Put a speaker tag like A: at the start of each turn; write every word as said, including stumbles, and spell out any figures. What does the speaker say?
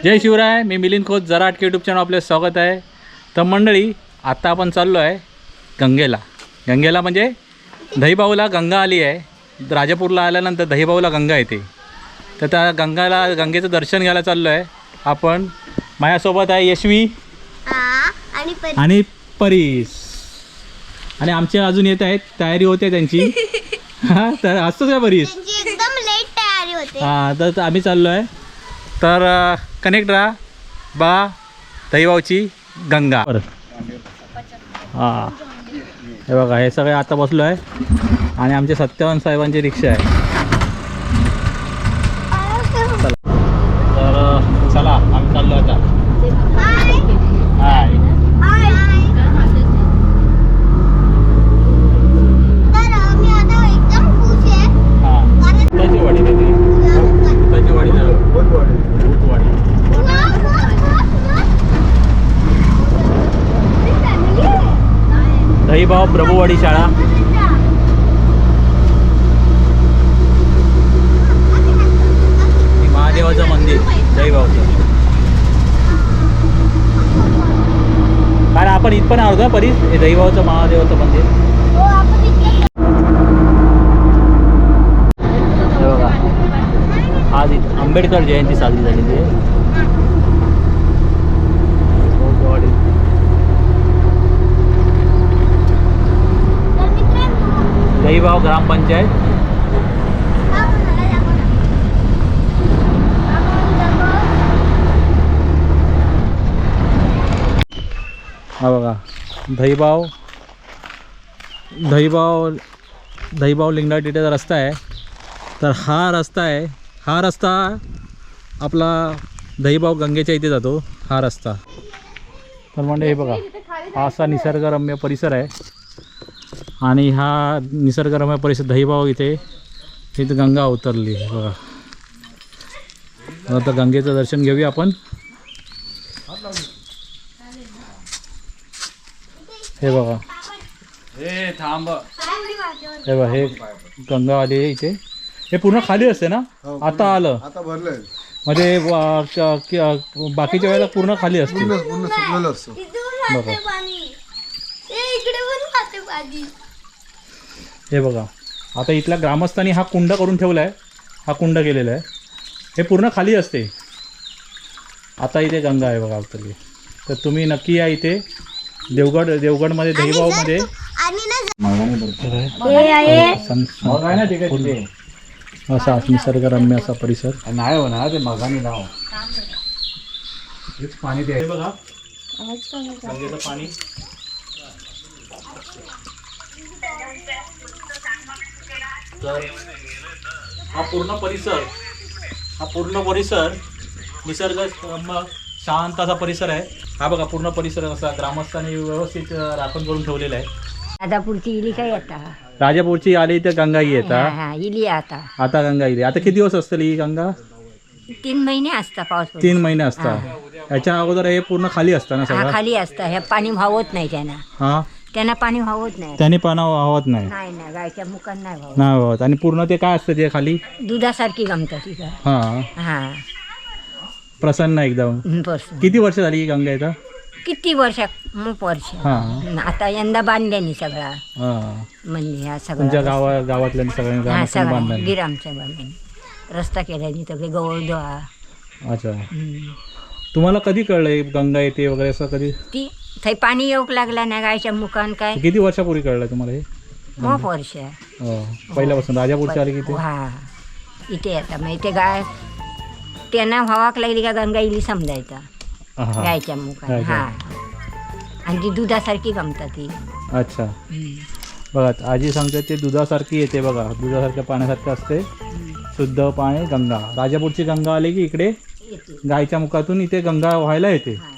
A: जय शिवराय. मी मिलिंद खोत, जराट YouTube channel आपले स्वागत आहे. तर मंडळी, आता आपण चाललो आहे गंगेला. गंगेला म्हणजे दहीबाऊला गंगा आली आहे. राजापूरला आल्यानंतर दहीबाऊला गंगा येते. तर त्या गंगाला गंगेचं दर्शन घ्यायला चाललो आहे आपण. माझ्यासोबत आहे यशवी
B: आणि
A: आणि परीस आणि आमचे अजून येत आहेत. तयारी होते त्यांची. हां, तर असतोच आहे परीस.
B: एकदम लेट तयारी होते.
A: हां, तर आम्ही चाललो आहे. तर कनेक्ट राहा बा दहीबाऊची गंगा. हां, हे बघा, हे सगळे आता बसलो आहे आणि आमचे सत्यवान साहेबांची रिक्षा आहे. चला, तर चला आम्ही चाललो आता. हाय.
B: तर मी आता एकदम खुश आहे.
A: हां, कुठाची वाडी देते? कुठाची वाडी झालं? भूतवाडी. दहीबाव प्रभुवाडी शाळा. महादेवाचं मंदिर दहीबावचं. कारण आपण इथपण आहोत का परीस? हे दहीबावचं महादेवाचं मंदिर. हे बघा, आज इथं आंबेडकर जयंती साजरी झालेली आहे. दहीबाव ग्रामपंचायत. हा बघा, दहीबाव दहीबाव दहीबाव लिंगायत इथे रस्ता आहे. तर हा रस्ता आहे. हा रस्ता आपला दहीबाव गंगेच्या इथे जातो, हा रस्ता. तर म्हणजे हे बघा, हा असा निसर्गरम्य परिसर आहे. आणि हा निसर्गरम्य परिसर दहीबाव इथे इथे गंगा उतरली बघा. आता गंगेचं दर्शन घेऊया आपण. हे बघा, हे थांब, हे बघा, हे गंगा आली आहे इथे. हे पूर्ण खाली असते ना? आता आलं,
C: आता भरलंय.
A: म्हणजे बाकीच्या वेळेला पूर्ण खाली असते.
C: पूर्ण सुकलेलं असतं.
A: बघा, हे बघा, आता इथल्या ग्रामस्थांनी हा कुंड करून ठेवला आहे. हा कुंड केलेला आहे. हे पूर्ण खाली असते. आता इथे गंगा आहे बघा उतरली. तर तुम्ही नक्की या इथे देवगड देवगडमध्ये दहीबावमध्ये. असा निसर्गरम्य असा परिसर नाही हो ना. ते मगानी नाव हेच पाणी ते आहे बघा, गंगेचं पाणी. तर हा पूर्ण परिसर हा पूर्ण परिसर निसर्ग शांत असा परिसर आहे. हा बघा, पूर्ण परिसर असा ग्रामस्थांनी व्यवस्थित राखण करून ठेवलेला आहे.
D: राजापूरची इली काय आता?
A: राजापूरची आली तर गंगा येतात.
D: इली आता
A: आता गंगा येते. आता किती दिवस असतील ही गंगा?
D: तीन महिने असता पाऊस.
A: तीन महिने असतात. याच्या अगोदर हे पूर्ण खाली असतं ना सगळं?
D: खाली असतं. हे पाणी व्हावत नाही त्यांना.
A: हा,
D: त्यांना पाणी व्हावत नाही.
A: त्याने पाणी वाहत नाही.
D: नाही ना, गायच्या मुखात नाही व्हावत.
A: नाही वाहत. आणि पूर्ण ते काय असतं ते खाली?
D: दुधासारखी गमतं तिथं.
A: हा
D: हा,
A: प्रसन्न एकदम.
D: बस.
A: किती वर्ष झाली ही गंगा इथं?
D: किती वर्ष? खूप वर्ष.
A: हा,
D: आता यंदा बांधल्यानी सगळा
A: हा.
D: म्हणजे ह्या
A: तुमच्या
D: सगळ्या
A: गावा गावातल्या सगळ्या
D: हा
A: ग्रामस्थांनी
D: सगळ्या
A: बांधलं.
D: गिरामच्या बांधल्यानी रस्ता केल्यानी सगळे गवळदोहा.
A: अच्छा, तुम्हाला कधी कळलं गंगा येते वगैरे असं कधी?
D: ती थंय पाणी येऊक लागला ना गायच्या मुखान काय.
A: किती वर्षापूर्वी कळलं तुम्हाला हे?
D: खूप वर्ष.
A: हो, पहिल्यापासून राजापूरची आली किती?
D: हा, इथे येतात मग इथे गाय त्यांना व्हावाक लागली का गंगा इली समजायचा गायच्या मुखात. हा, आणि ती दुधासारखी गमतात ती.
A: अच्छा, बघा आजी सांगते ते दुधासारखी येते बघा. दुधासारख्या पाण्यासारखं असते, शुद्ध पाणी गंगा. राजापूरची गंगा आली की इकडे गायच्या मुखातून इथे गंगा व्हायला येते.